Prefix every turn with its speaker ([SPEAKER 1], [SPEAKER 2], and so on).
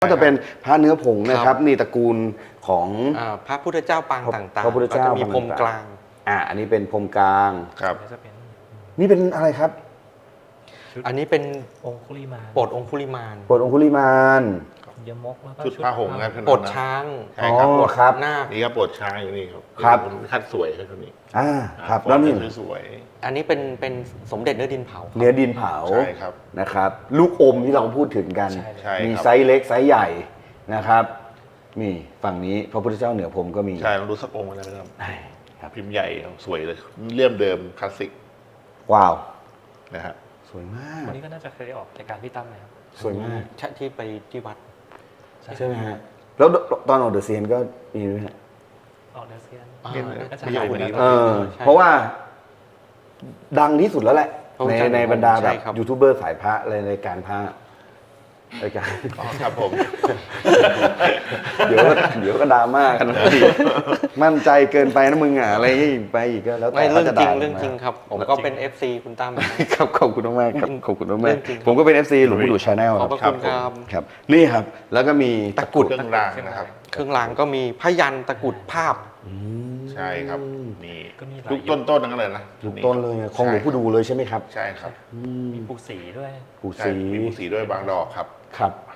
[SPEAKER 1] ก็จะเป็นพระเนื้อผงนะครับนี่ตระกูลของ
[SPEAKER 2] พระพุทธเจ้าปางต่างๆ
[SPEAKER 1] พระพุทธเจ้า
[SPEAKER 2] ก็จะมีพรมกลาง
[SPEAKER 1] อันนี้เป็นพรมกลาง
[SPEAKER 3] ครับ
[SPEAKER 4] จะเป็น
[SPEAKER 1] นี่เป็นอะไรครับ
[SPEAKER 2] อันนี้เป็น
[SPEAKER 4] องคุลิมาน
[SPEAKER 2] โปรดองคุลิมาน
[SPEAKER 1] โปรดองคุลิมาน
[SPEAKER 4] ยมกแล้วก็
[SPEAKER 3] ชุดผ้าห่มนะ
[SPEAKER 2] โปรดช้าง
[SPEAKER 3] ใช่ครับ
[SPEAKER 1] อ๋อครับ
[SPEAKER 2] นาค
[SPEAKER 3] นี่ก็ปวดช้างอยู่นี่ครับ
[SPEAKER 1] ครับ
[SPEAKER 3] คัดสวยครับตัวนี้
[SPEAKER 1] ครับแล้วนี่
[SPEAKER 3] สวย
[SPEAKER 2] อันนี้เป็นสมเด็จเนื้อดินเผา
[SPEAKER 1] เนื้อดินเผา
[SPEAKER 3] ใช่ครับ
[SPEAKER 1] นะครับ ลูกอมที่เราพูดถึงกัน
[SPEAKER 3] ใช่ครับ
[SPEAKER 1] มีไซส์เล็กไซส์ใหญ่นะครับนี่ฝั่งนี้พระพุทธเจ้าเหนือผมก็มี
[SPEAKER 3] ใช่ลองดูสักองค์นะครับ
[SPEAKER 1] ครับ
[SPEAKER 3] พิมพ์ใหญ่สวยเลยเลี่ยมเดิมคลาสสิก
[SPEAKER 1] ว้าว
[SPEAKER 3] นะฮะ
[SPEAKER 1] สวยมาก
[SPEAKER 4] วันนี้ก็น่าจะเคยออกรายการพี่ตั้มนะครับ
[SPEAKER 1] สวยมาก
[SPEAKER 2] ที่ไปที่วัด
[SPEAKER 1] ใช่ไหมฮะแล้วตอนออกเดอะเซียนก็มีด้วยฮะ
[SPEAKER 4] ออกเดอะเซียน
[SPEAKER 3] เนี่ย
[SPEAKER 4] น่าจะ
[SPEAKER 3] ประโยค
[SPEAKER 4] หายไป
[SPEAKER 3] นี้
[SPEAKER 4] แล้ว
[SPEAKER 2] ใช่
[SPEAKER 1] เพราะว่าดังที่สุดแล้วแหละ
[SPEAKER 2] พระพุทธเจ้า
[SPEAKER 1] ในบรรดาแบบ
[SPEAKER 2] ใช่ครับ
[SPEAKER 1] ยูทูบเบอร์สายพระอะไรในการพระรายการ
[SPEAKER 3] อ๋อครับผม
[SPEAKER 1] เดี๋ยวก็ดราม่ากันนะพี่มั่นใจเกินไปนะมึงอ่ะอะไรอย่างงี้ไปอีกก็แล้วแต่
[SPEAKER 2] ไม่เรื่อง
[SPEAKER 1] ขาจะ
[SPEAKER 2] จริง
[SPEAKER 1] ด่า
[SPEAKER 2] เรื่องจริงครับ ผมก็เป็น FC คุณตั้ม
[SPEAKER 1] ครับขอบคุณมากๆครับขอบคุณมาก
[SPEAKER 2] เรื่องจริง
[SPEAKER 1] ๆผมก็เป็น FC หลวงปู่ดูชาแนล
[SPEAKER 2] ขอบพระ
[SPEAKER 1] ครั
[SPEAKER 2] คุณครับ
[SPEAKER 1] ครับนี่ครับ แล้วก็มี
[SPEAKER 2] ตะกรุด
[SPEAKER 3] เครื่องรางนะครับ
[SPEAKER 2] เครื่องรางก็มีพยันตะกรุดภาพ
[SPEAKER 3] ใช่ครับนี่
[SPEAKER 4] ก็มีหลาย
[SPEAKER 3] ลูกต้นๆทั้งนั้นเลยนะ
[SPEAKER 1] ลูกต้นเลยของหลวงปู่ดูเลยใช่ไหมครับ
[SPEAKER 3] ใช่ครับ
[SPEAKER 4] มีปูสีด้วย
[SPEAKER 1] ปู่
[SPEAKER 3] ใช่
[SPEAKER 1] ศรี
[SPEAKER 3] มีสีด้วยบางดอกครับ
[SPEAKER 1] ครับ